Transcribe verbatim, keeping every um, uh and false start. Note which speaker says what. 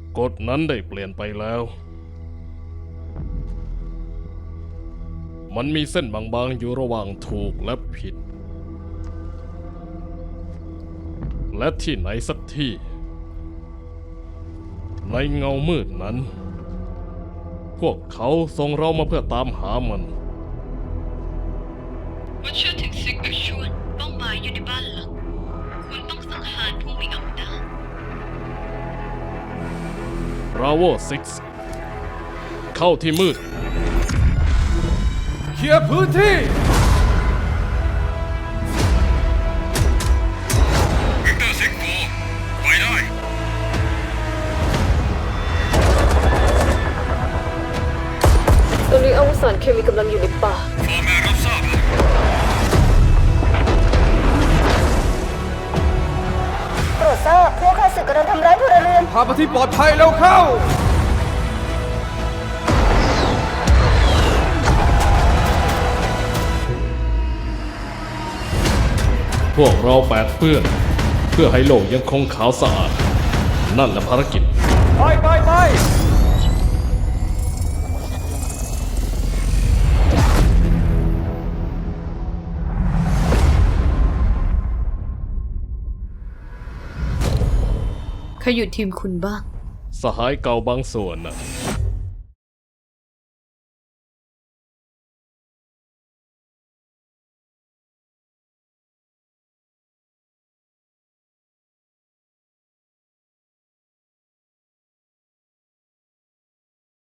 Speaker 1: กฎนั้นได้เปลี่ยนไปแล้ว มันมีเส้นบางๆอยู่ระหว่างถูกและผิด และที่ไหนสักที่ ในเงามืดนั้น พวกเขาส่งเรามาเพื่อตามหามัน
Speaker 2: ว่าเชื่อถึงซิกกับชวนเป้าหมายอยู่ในบ้านหลังคุณต้องสังหารผู้มีอำนาจ
Speaker 1: Bravo ซิก เข้าที่มืด
Speaker 3: เคลียร์พื้นที่
Speaker 4: วิกเตอร์ซิกโกไปได้
Speaker 2: ตอนนี้อาวุธสารเคมีกำลังอยู่ในป่า
Speaker 4: ฟอร์แมนรับทราบแล้ว
Speaker 5: โปรดทราบพวกข้าศึกกำลังทำร้ายพลเรือน
Speaker 3: พาไปที่ปลอดภัยแล้วเข้า
Speaker 1: พวกเราแปดเปื้อน เพื่อให้โลกยังคงขาวสะอาด นั่นแหละภารกิจ
Speaker 3: ไปไปไป
Speaker 2: ใครอยู่ทีมคุณบ้าง
Speaker 1: สหายเก่าบางส่วนน่ะ